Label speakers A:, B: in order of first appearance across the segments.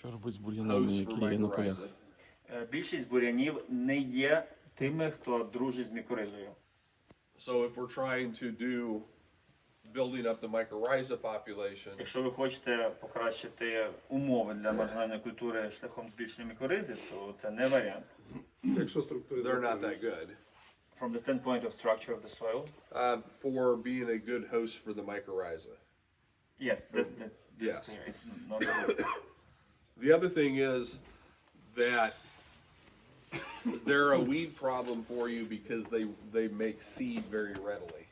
A: Що робити з бур'янами,
B: hosts for
A: які є на полях?
B: mycorrhiza.
C: Більшість бур'янів не є тими, хто дружить з мікоризою.
B: So if we're trying to do building up the mycorrhiza population,
C: Якщо ви хочете покращити умови для маржинальної культури шляхом збільшення мікоризи, то це не варіант.
D: Якщо
B: they're not
D: структуризація.
B: that good
C: From the standpoint of structure of the soil,
B: for being a good host for the mycorrhiza.
C: yes, that's
B: Yes.
C: clear. It's not good.
B: The other thing is that they're a weed problem for you because they make seed very readily.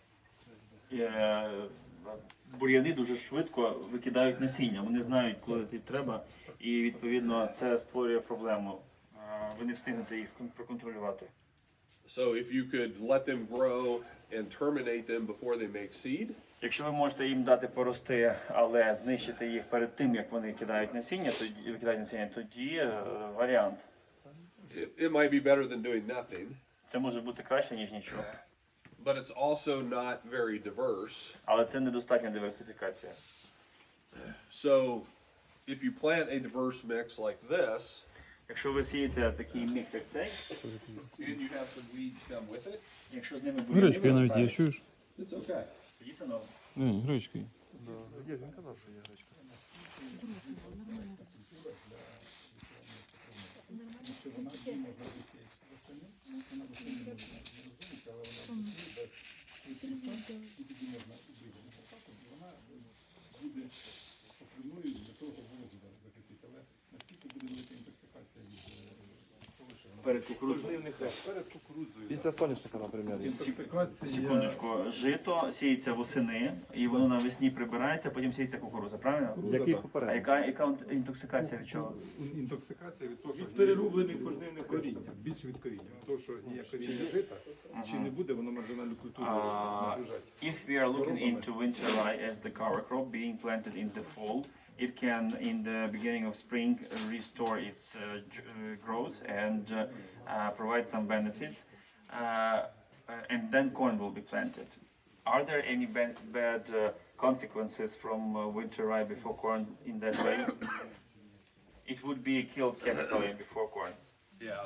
C: Бур'яни дуже швидко викидають насіння. Вони знають, коли тобі треба, і відповідно це створює проблему. Ви не встигнете їх проконтролювати.
B: So if you could let them grow and terminate them before they make seed,
C: Якщо ви можете їм дати порости, але знищити їх перед тим, як вони викидають насіння, тоді варіант.
B: it might be better than doing nothing,
C: Це може бути краще, ніж нічого.
B: but it's also not very diverse.
C: Але це недостатня диверсифікація.
B: So if you plant a diverse mix like this,
C: Якщо ви сієте такий мікс, як цей,
B: and you have some weeds come with it,
C: якщо з ними
A: Гречка навіть є,
C: виростають,
A: чуєш?
B: it's okay.
C: тоді це норм.
A: Гречка є.
D: Є, він казав, що є гречка.
C: Перед кукурудзою.
E: Після соняшника, наприклад.
D: Інтоксикація.
C: Секундочку, жито сіється восени, і воно навесні прибирається, потім сіється кукурудза, правильно?
E: Який
C: А
E: попередній?
C: яка інтоксикація від чого?
D: Інтоксикація від того, що перероблених пожнивних коріння. Більше від коріння. Від того, що є коріння жита, чи не буде воно маржинальну культуру нагружати.
C: If we are looking into winter rye as the cover crop being planted in the fall, it can, in the beginning of spring, restore its growth and provide some benefits, and then corn will be planted. Are there any bad consequences from winter rye before corn in that way? It would be killed chemically before corn.
B: Yeah.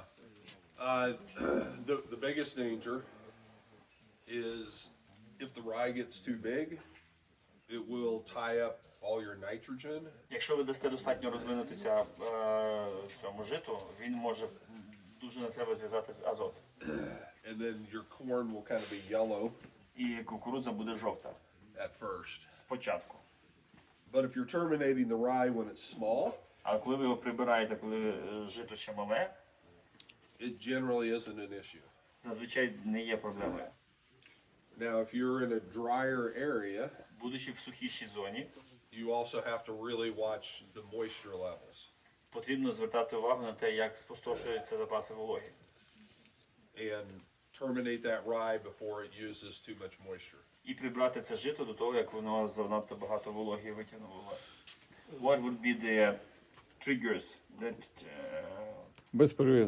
B: The biggest danger is if the rye gets too big, it will tie up all your nitrogen,
C: Якщо ви дасте достатньо розвинутися цьому житу, він може дуже на себе зв'язати з азот.
B: and then your corn will kind of be yellow
C: І кукурудза буде жовта
B: at first.
C: спочатку.
B: But if you're terminating the rye when it's small,
C: А коли ви його прибираєте, коли жито ще мале,
B: it generally isn't an issue.
C: зазвичай не є проблемою.
B: Now, if you're in a drier area,
C: Будучи в сухішій зоні,
B: you also have to really watch the moisture levels
C: потрібно звертати увагу на те, як спустошуються запаси вологи.
B: and terminate that rye before it uses too much moisture.
C: І прибрати це жито до того, як воно занадто багато вологи витягнуло у вас. What would be the triggers that
A: Без перевід.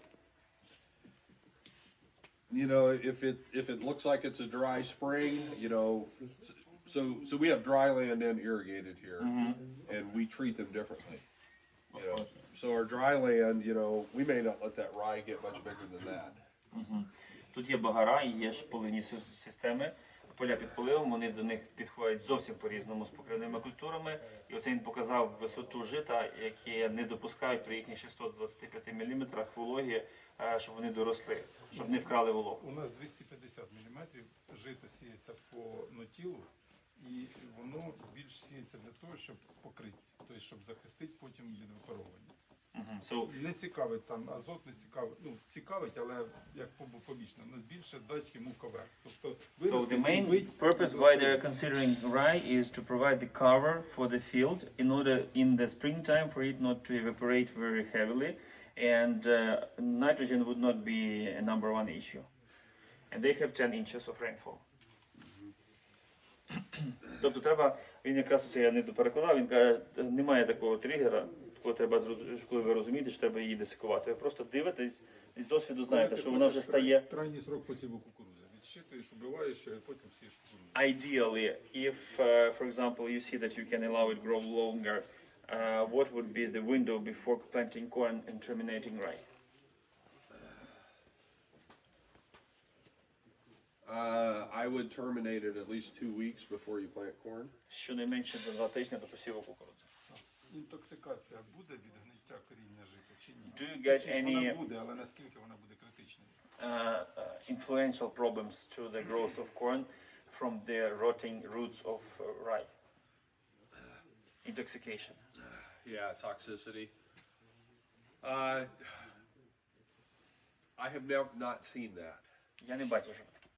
B: You know, if it looks like it's a dry spring, you know, so we have dry land and irrigated here, and we treat them differently. You know, so our dry land, you know, we may not let that rye get much bigger than that.
C: Тут є багара і є ж поливні системи. Поля під поливом, вони до них підходять зовсім по-різному з покривними культурами. І оце він показав висоту жита, які не допускають при їхніх 625 мм вологі, щоб вони доросли, щоб не вкрали вологу.
D: У нас 250 мм жито сіється по нотілу, і воно більш сіється для того, щоб покрити, тобто щоб захистити потім від випаровування.
C: So,
D: Не цікавить там азот, не цікавить, ну цікавить, але як побічно, ну більше дати йому ковер. Тобто
C: so the main
D: вбить,
C: purpose why they're considering rye is to provide the cover for the field in order in the springtime for it not to evaporate very heavily, and nitrogen would not be a number one issue. And they have 10 inches of rainfall. Тобто треба, він якраз оце я не доперекладав, він каже, немає такого тригера, такого треба, коли ви розумієте, що треба її десикувати. Ви просто дивитесь, з досвіду знаєте, що вона вже стає.
D: Крайній срок посіву кукурудзи. Відщитуєш, убиваєш, а потім сієш кукурудзу.
C: Ideally, if, for example, you see that you can allow it grow longer what would be the window before planting corn and terminating rye?
B: I would terminate it at least 2 weeks before you plant corn.
C: Щонайменше за 2 тижні до посіву кукурудзи.
D: Інтоксикація буде від гниття коріння жита чи ні?
C: Do you get
D: Точніше,
C: any
D: вона буде, але наскільки вона буде критичною?
C: influential problems to the growth of corn from the rotting roots of rye? Intoxication.
B: Yeah, toxicity. I have not seen that.
C: Я не бачу, що